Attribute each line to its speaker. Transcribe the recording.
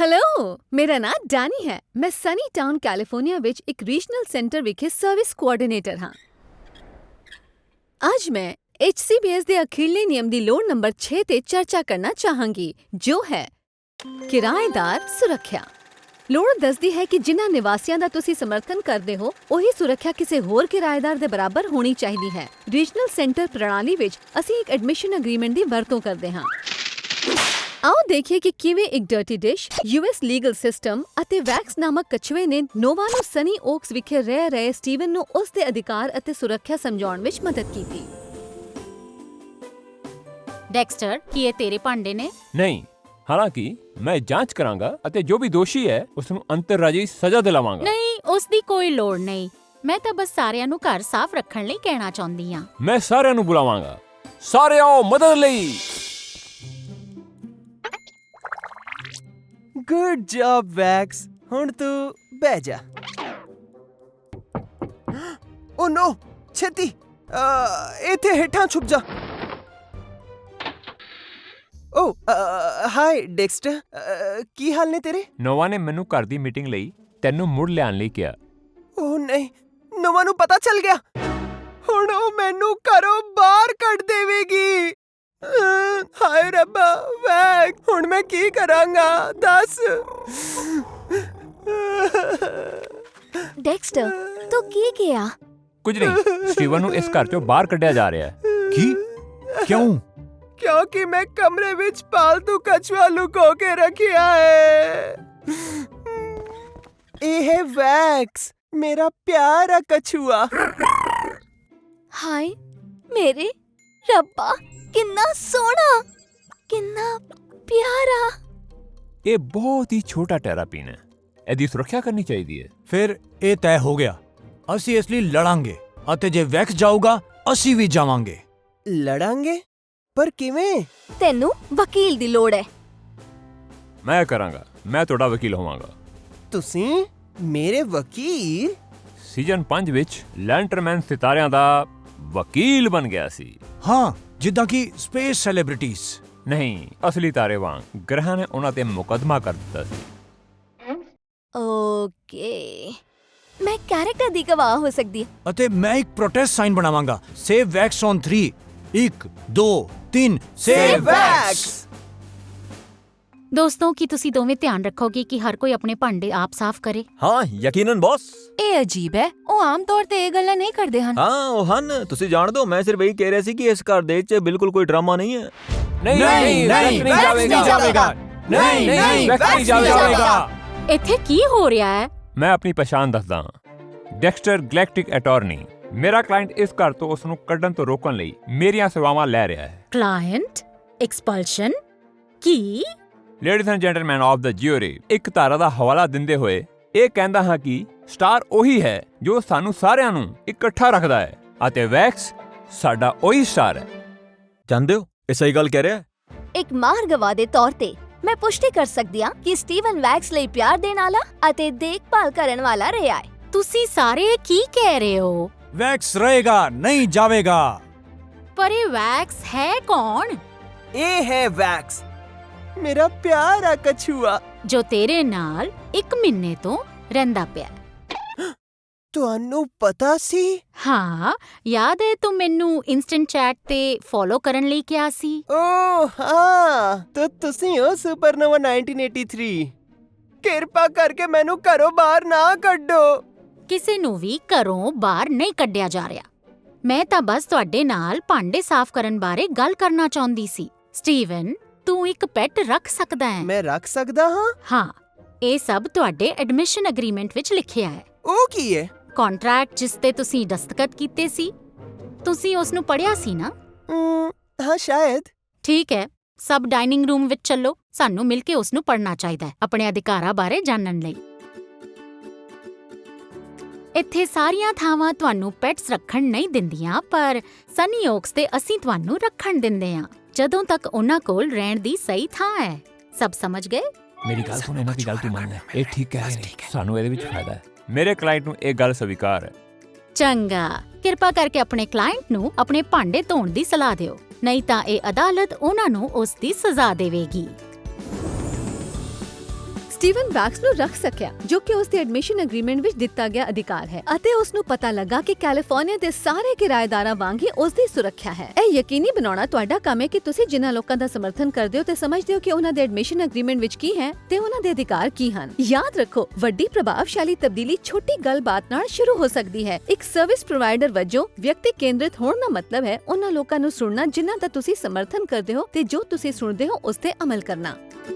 Speaker 1: Hello, ਮੇਰਾ ਨਾਂ Danny ਹੈ। ਮੈਂ ਸਨੀ ਟਾਊਨ ਕੈਲੀਫੋਰਨੀਆ ਵਿੱਚ ਇੱਕ ਰੀਜਨਲ ਸੈਂਟਰ ਵਿਖੇ ਸਰਵਿਸ ਕੋਆਰਡੀਨੇਟਰ ਹਾਂ। ਅੱਜ ਮੈਂ HCBS ਦੇ ਅਖੀਰਲੇ ਨਿਯਮ ਦੀ ਲੋੜ ਨੰਬਰ 6 ਤੇ ਚਰਚਾ ਕਰਨਾ ਚਾਹਾਂਗੀ, ਜੋ ਹੈ ਕਿਰਾਏਦਾਰ ਸੁਰੱਖਿਆ। ਲੋੜ ਦੱਸਦੀ ਹੈ ਕਿ ਜਿਨ੍ਹਾਂ ਨਿਵਾਸੀਆਂ ਦਾ ਤੁਸੀਂ ਸਮਰਥਨ ਕਰਦੇ ਹੋ, ਉਹੀ ਸੁਰੱਖਿਆ ਕਿਸੇ ਹੋਰ ਕਿਰਾਏਦਾਰ ਦੇ ਬਰਾਬਰ ਹੋਣੀ ਚਾਹੀਦੀ ਹੈ। ਰੀਜਨਲ ਸੈਂਟਰ ਪ੍ਰਣਾਲੀ ਵਿੱਚ ਅਸੀਂ ਇੱਕ ਐਡਮਿਸ਼ਨ ਐਗਰੀਮੈਂਟ ਦੀ ਵਰਤੋਂ ਕਰਦੇ ਹਾਂ। ਆਓ ਦੇਖੀਏ ਕਿ ਕਿਵੇਂ ਇੱਕ dirty dish, US legal system ਅਤੇ ਵੈਕਸ ਨਾਮਕ ਕਛੂਏ ਨੇ ਨੋਵਾ ਨੂੰ ਸਨੀ ਓਕਸ ਵਿਖੇ ਰਹਿ ਰਹੇ ਸਟੀਵਨ ਨੂੰ ਉਸ ਦੇ ਅਧਿਕਾਰ ਅਤੇ ਸੁਰੱਖਿਆ ਸਮਝਾਉਣ ਵਿੱਚ ਮਦਦ ਕੀਤੀ।
Speaker 2: ਡੈਕਸਟਰ, ਕੀ ਇਹ ਤੇਰੇ ਭਾਂਡੇ ਨੇ?
Speaker 3: ਨਹੀਂ, ਹਾਲਾਂਕਿ ਮੈਂ ਜਾਂਚ ਕਰਾਂਗਾ ਅਤੇ ਜੋ ਵੀ ਦੋਸ਼ੀ ਹੈ ਉਸ ਨੂੰ ਅੰਤਰਰਾਜੀ ਸਜ਼ਾ ਦਿਲਾਵਾਂਗਾ।
Speaker 2: ਨਹੀਂ, ਉਸ ਦੀ ਕੋਈ ਲੋੜ ਨਹੀਂ। ਮੈਂ ਤਾਂ ਬਸ ਸਾਰਿਆਂ ਨੂੰ ਘਰ ਸਾਫ਼ ਰੱਖਣ ਲਈ ਕਹਿਣਾ ਚਾਹੁੰਦੀ ਹਾਂ।
Speaker 3: ਮੈਂ ਸਾਰਿਆਂ ਨੂੰ ਬੁਲਾਵਾਂਗਾ। ਸਾਰੇ ਆਓ ਮਦਦ ਲਈ।
Speaker 4: Good job Wax. ਹੁਣ ਤੂੰ ਬਹਿ ਜਾ। ਓ ਨੋ, ਛੇਤੀ ਇੱਥੇ ਹੇਠਾਂ ਛੁਪ ਜਾ। ਓ ਹਾਈ ਡੈਕਸਟਰ, ਕੀ ਹਾਲ ਨੇ ਤੇਰੇ?
Speaker 3: ਨੋਵਾ ਨੇ ਮੈਨੂੰ ਘਰ ਦੀ ਮੀਟਿੰਗ ਲਈ ਤੈਨੂੰ ਮੁੜ ਲਿਆਉਣ ਲਈ ਕਿਹਾ।
Speaker 4: ਓ ਨਹੀਂ, ਨੋਵਾ ਨੂੰ ਪਤਾ ਚੱਲ ਗਿਆ। ਹੁਣ ਉਹ ਮੈਨੂੰ ਘਰੋਂ ਬਾਹਰ ਕੱਢ ਦੇਵੇਗੀ। ਹਾਏ ਰੱਬਾ, ਵੈਕਸ, ਹੁਣ ਮੈਂ ਕੀ ਕਰਾਂਗਾ ਦੱਸ।
Speaker 1: ਡੈਕਸਟਰ, ਤੂੰ ਕੀ ਕਿਹਾ?
Speaker 3: ਕੁਝ ਨਹੀਂ, ਸਟੀਵਨ ਨੂੰ ਇਸ ਘਰ ਚੋਂ ਬਾਹਰ ਕੱਢਿਆ ਜਾ ਰਿਹਾ ਹੈ।
Speaker 5: ਕੀ? ਕਿਉਂ?
Speaker 4: ਕਿਉਂਕਿ ਮੈਂ ਕਮਰੇ ਵਿੱਚ ਪਾਲਤੂ ਕਛੂਆ ਲੁਕੋ ਕੇ ਰੱਖਿਆ ਹੈ। ਇਹ ਹੈ ਵੈਕਸ, ਮੇਰਾ ਪਿਆਰਾ ਕਛੂਆ।
Speaker 1: ਹਾਏ ਮੇਰੇ ਰੱਬਾ, ਕਿੰਨਾ ਸੋਹਣਾ, ਕਿੰਨਾ ਪਿਆਰਾ।
Speaker 3: ਇਹ ਬਹੁਤ ਹੀ ਛੋਟਾ ਟੈਰਾਪੀਨ ਹੈ। ਇਹਦੀ ਸੁਰੱਖਿਆ ਕਰਨੀ ਚਾਹੀਦੀ ਹੈ।
Speaker 5: ਫਿਰ ਇਹ ਤੈਅ ਹੋ ਗਿਆ, ਅਸੀਂ ਇਸ ਲਈ ਲੜਾਂਗੇ ਅਤੇ ਜੇ ਵੈਕਸ ਜਾਊਗਾ ਅਸੀਂ ਵੀ ਜਾਵਾਂਗੇ।
Speaker 4: ਲੜਾਂਗੇ? ਪਰ ਕਿਵੇਂ?
Speaker 1: ਤੈਨੂੰ ਵਕੀਲ ਦੀ ਲੋੜ ਹੈ।
Speaker 3: ਮੈਂ ਕਰਾਂਗਾ, ਮੈਂ ਤੁਹਾਡਾ ਵਕੀਲ ਹੋਵਾਂਗਾ।
Speaker 4: ਤੁਸੀਂ ਮੇਰੇ ਵਕੀਲ?
Speaker 3: ਸੀਜ਼ਨ 5 ਵਿੱਚ ਲੈਂਟਰਮੈਨ ਸਿਤਾਰਿਆਂ ਦਾ ਵਕੀਲ ਬਣ ਗਿਆ ਸੀ।
Speaker 5: ਹਾਂ, ਜਿੱਦਾਂ ਕਿ ਸਪੇਸ ਸੈਲੀਬ੍ਰਿਟੀਜ਼।
Speaker 3: ਨਹੀਂ, ਅਸਲੀ ਤਾਰੇ ਵਾਂਗ ਗ੍ਰਹਿਾਂ ਨੇ ਉਹਨਾਂ ਤੇ ਮੁਕੱਦਮਾ ਕਰ ਦਿੱਤਾ ਸੀ।
Speaker 1: ਓਕੇ, ਮੈਂ ਕੈਰੈਕਟਰ ਦੀ ਗਵਾਹ ਹੋ ਸਕਦੀ ਹਾਂ।
Speaker 5: ਅਤੇ ਮੈਂ ਇੱਕ ਪ੍ਰੋਟੈਸਟ ਸਾਈਨ ਬਣਾਵਾਂਗਾ। Save Wax on 3। 1 2 3
Speaker 4: save Wax.
Speaker 2: ਦੋਸਤੋ, ਕੀ ਤੁਸੀਂ ਦੋਵੇਂ ਧਿਆਨ ਰੱਖੋਗੇ ਕਿ ਹਰ ਕੋਈ ਆਪਣੇ ਭਾਂਡੇ ਆਪ ਸਾਫ਼ ਕਰੇ?
Speaker 6: ਹਾਂ, ਯਕੀਨਨ ਬੌਸ।
Speaker 1: ਇਹ ਅਜੀਬ ਹੈ, ਉਹ ਆਮ ਤੌਰ ਤੇ ਇਹ ਗੱਲਾਂ ਨਹੀਂ ਕਰਦੇ ਹਨ।
Speaker 6: ਹਾਂ, ਉਹ ਹਨ। ਤੁਸੀਂ ਜਾਣਦੇ ਹੋ, ਮੈਂ ਸਿਰਫ ਇਹੀ ਕਹਿ ਰਿਹਾ ਸੀ ਕਿ ਇਸ ਘਰ ਦੇ ਵਿੱਚ ਬਿਲਕੁਲ ਕੋਈ ਡਰਾਮਾ ਨਹੀਂ ਹੈ।
Speaker 3: ਨਹੀਂ,
Speaker 5: ਨਹੀਂ,
Speaker 3: ਵੈਕਸ ਨਹੀਂ ਜਾਵੇਗਾ।
Speaker 5: ਨਹੀਂ,
Speaker 3: ਵੈਕਸ ਨਹੀਂ ਜਾਵੇਗਾ।
Speaker 2: ਇੱਥੇ ਕੀ ਹੋ ਰਿਹਾ ਹੈ?
Speaker 3: ਮੈਂ ਆਪਣੀ ਪਛਾਣ ਦੱਸਦਾ ਹਾਂ। ਡੈਕਸਟਰ ਗਲੈਕਟਿਕ ਅਟਾਰਨੀ। ਮੇਰਾ ਕਲਾਇੰਟ ਇਸ ਘਰ ਤੋਂ ਉਸ ਨੂੰ ਕੱਢਣ ਤੋਂ ਰੋਕਣ ਲਈ ਮੇਰੀਆਂ ਸੇਵਾਵਾਂ ਲੈ ਰਿਹਾ ਹੈ।
Speaker 2: Client expulsion? ਕੀ?
Speaker 3: Ladies and gentleman of the jury, ਇੱਕ ਧਾਰਾ ਦਾ ਹਵਾਲਾ ਦਿੰਦੇ ਹੋਏ ਇਹ ਕਹਿੰਦਾ ਹਾਂ ਕਿ ਸਟਾਰ ਉਹੀ ਹੈ ਜੋ ਸਾਨੂੰ ਸਾਰਿਆਂ ਨੂੰ ਇਕੱਠਾ ਰੱਖਦਾ ਹੈ ਅਤੇ ਵੈਕਸ ਸਾਡਾ ਉਹੀ ਸਟਾਰ ਹੈ।
Speaker 6: ਜਾਣਦੇ ਹੋ, ਇਹ ਸਹੀ ਗੱਲ ਕਹਿ ਰਿਹਾ ਹੈ।
Speaker 1: ਇੱਕ ਮਾਹਰ ਗਵਾਹ ਦੇ ਤੌਰ ਤੇ ਮੈਂ ਪੁਸ਼ਟੀ ਕਰ ਸਕਦੀ ਹਾਂ ਕਿ ਸਟੀਵਨ ਵੈਕਸ ਲਈ ਪਿਆਰ ਦੇਣ ਵਾਲਾ ਅਤੇ ਦੇਖਭਾਲ ਕਰਨ ਵਾਲਾ ਰਿਹਾ ਹੈ।
Speaker 2: ਤੁਸੀਂ ਸਾਰੇ ਕੀ ਕਹਿ ਰਹੇ ਹੋ?
Speaker 5: ਵੈਕਸ ਰਹੇਗਾ, ਨਹੀਂ ਜਾਵੇਗਾ।
Speaker 2: ਪਰ ਇਹ ਵੈਕਸ ਹੈ ਕੌਣ?
Speaker 4: ਇਹ ਹੈ ਵੈਕਸ, ਮੇਰਾ ਪਿਆਰਾ ਕਛੂਆ
Speaker 2: ਜੋ ਤੇਰੇ ਨਾਲ 1 ਮਹੀਨੇ ਤੋਂ ਰਹਿੰਦਾ ਪਿਆ।
Speaker 4: ਤੁਹਾਨੂੰ ਪਤਾ ਸੀ?
Speaker 2: ਹਾਂ, ਯਾਦ ਹੈ ਤੂੰ ਮੈਨੂੰ ਇੰਸਟੈਂਟ ਚੈਟ ਤੇ ਫੋਲੋ ਕਰਨ ਲਈ ਕਿਹਾ ਸੀ।
Speaker 4: ਓ ਹਾਂ, ਤਾਂ ਤੁਸੀਂ ਹੋ ਸੁਪਰਨੋਵਾ 1983। ਕਿਰਪਾ ਕਰਕੇ ਮੈਨੂੰ ਘਰੋਂ ਬਾਹਰ ਨਾ ਕੱਢੋ।
Speaker 2: ਕਿਸੇ ਨੂੰ ਵੀ ਘਰੋਂ ਬਾਹਰ ਨਹੀਂ ਕੱਢਿਆ ਜਾ ਰਿਹਾ। ਮੈਂ ਤਾਂ ਬਸ ਤੁਹਾਡੇ ਨਾਲ ਭਾਂਡੇ ਸਾਫ਼ ਕਰਨ ਬਾਰੇ ਗੱਲ ਕਰਨਾ ਚਾਹੁੰਦੀ ਸੀ। ਸਟੀਵਨ, ਤੂੰ ਇੱਕ ਪੈਟ ਰੱਖ ਸਕਦਾ ਹੈ।
Speaker 4: ਮੈਂ ਰੱਖ ਸਕਦਾ ਹਾਂ?
Speaker 2: ਹਾਂ, ਇਹ ਸਭ ਤੁਹਾਡੇ ਐਡਮਿਸ਼ਨ ਐਗਰੀਮੈਂਟ ਵਿੱਚ ਲਿਖਿਆ ਹੈ।
Speaker 4: ਉਹ ਕੀ ਹੈ?
Speaker 2: ਕੰਟਰੈਕਟ ਜਿਸ ਤੇ ਤੁਸੀਂ ਦਸਤਖਤ ਕੀਤੇ ਸੀ। ਤੁਸੀਂ ਉਸ ਨੂੰ ਪੜ੍ਹਿਆ ਸੀ ਨਾ?
Speaker 4: ਹਾਂ, ਸ਼ਾਇਦ।
Speaker 2: ਠੀਕ ਹੈ, ਸਭ ਡਾਈਨਿੰਗ ਰੂਮ ਵਿੱਚ ਚੱਲੋ। ਸਾਨੂੰ ਮਿਲ ਕੇ ਉਸ ਨੂੰ ਪੜ੍ਹਨਾ ਚਾਹੀਦਾ ਹੈ ਆਪਣੇ ਅਧਿਕਾਰਾਂ ਬਾਰੇ ਜਾਣਨ ਲਈ। ਇੱਥੇ ਸਾਰੀਆਂ ਥਾਵਾਂ ਤੁਹਾਨੂੰ ਪੈਟਸ ਰੱਖਣ ਨਹੀਂ ਦਿੰਦੀਆਂ, ਪਰ ਸਨੀ ਓਕਸ ਤੇ ਅਸੀਂ ਤੁਹਾਨੂੰ ਰੱਖਣ ਦਿੰਦੇ ਹਾਂ ਜਦੋਂ ਤੱਕ ਉਹਨਾਂ ਕੋਲ ਰਹਿਣ ਦੀ ਸਹੀ ਥਾਂ ਹੈ। ਸਭ ਸਮਝ ਗਏ?
Speaker 3: ਮੇਰੀ ਗੱਲ ਸੁਣ, ਇਹਨਾਂ ਦੀ ਗੱਲ ਤੂੰ ਮੰਨ ਲੈ। ਇਹ ਠੀਕ ਕਹਿ ਰਹੇ ਨੇ, ਸਾਨੂੰ ਇਹਦੇ ਵਿੱਚ ਫਾਇਦਾ ਹੈ। ਮੇਰੇ ਕਲਾਇੰਟ ਨੂੰ ਇਹ ਗੱਲ ਸਵੀਕਾਰ ਹੈ।
Speaker 2: ਚੰਗਾ, ਕਿਰਪਾ ਕਰਕੇ ਆਪਣੇ ਕਲਾਇੰਟ ਨੂੰ ਆਪਣੇ ਭਾਂਡੇ ਧੋਣ ਦੀ ਸਲਾਹ ਦਿਓ, ਨਹੀਂ ਤਾਂ ਇਹ ਅਦਾਲਤ ਉਹਨਾਂ ਨੂੰ ਉਸ ਦੀ ਸਜ਼ਾ ਦੇਵੇਗੀ।
Speaker 1: ਸਟੀਵਨ ਵੈਕਸ ਨੂੰ ਰੱਖ ਸਕਿਆ, ਜੋ ਕਿ ਉਸ ਦੇ ਐਡਮਿਸ਼ਨ ਐਗਰੀਮੈਂਟ ਵਿੱਚ ਦਿੱਤਾ ਗਿਆ ਅਧਿਕਾਰ ਹੈ, ਅਤੇ ਉਸ ਨੂੰ ਪਤਾ ਲੱਗਾ ਕਿ ਕੈਲੀਫੋਰਨੀਆ ਦੇ ਸਾਰੇ ਕਿਰਾਏਦਾਰਾਂ ਵਾਂਗ ਹੀ ਉਸ ਦੀ ਸੁਰੱਖਿਆ ਹੈ। ਇਹ ਯਕੀਨੀ ਬਣਾਉਣਾ ਤੁਹਾਡਾ ਕੰਮ ਹੈ ਕਿ ਤੁਸੀਂ ਜਿਨ੍ਹਾਂ ਲੋਕਾਂ ਦਾ ਸਮਰਥਨ ਕਰਦੇ ਹੋ ਤੇ ਸਮਝਦੇ ਹੋ ਕਿ ਉਹਨਾਂ ਦੇ ਐਡਮਿਸ਼ਨ ਐਗਰੀਮੈਂਟ ਵਿੱਚ ਕੀ ਹੈ ਤੇ ਉਹਨਾਂ ਦੇ ਅਧਿਕਾਰ ਕੀ ਹਨ। ਯਾਦ ਰੱਖੋ, ਵੱਡੀ ਪ੍ਰਭਾਵਸ਼ਾਲੀ ਤਬਦੀਲੀ ਛੋਟੀ ਗੱਲਬਾਤ ਨਾਲ ਸ਼ੁਰੂ ਹੋ ਸਕਦੀ ਹੈ। ਇੱਕ ਸਰਵਿਸ ਪ੍ਰੋਵਾਈਡਰ ਵਜੋਂ ਵਿਅਕਤੀ ਕੇਂਦਰਿਤ ਹੋਣ ਦਾ ਮਤਲਬ ਹੈ ਉਹਨਾਂ ਲੋਕਾਂ ਨੂੰ ਸੁਣਨਾ ਜਿਨ੍ਹਾਂ ਦਾ ਤੁਸੀਂ ਸਮਰਥਨ ਕਰਦੇ ਹੋ ਤੇ ਜੋ ਤੁਸੀਂ ਸੁਣਦੇ ਹੋ ਉਸ ਤੇ ਅਮਲ ਕਰਨਾ।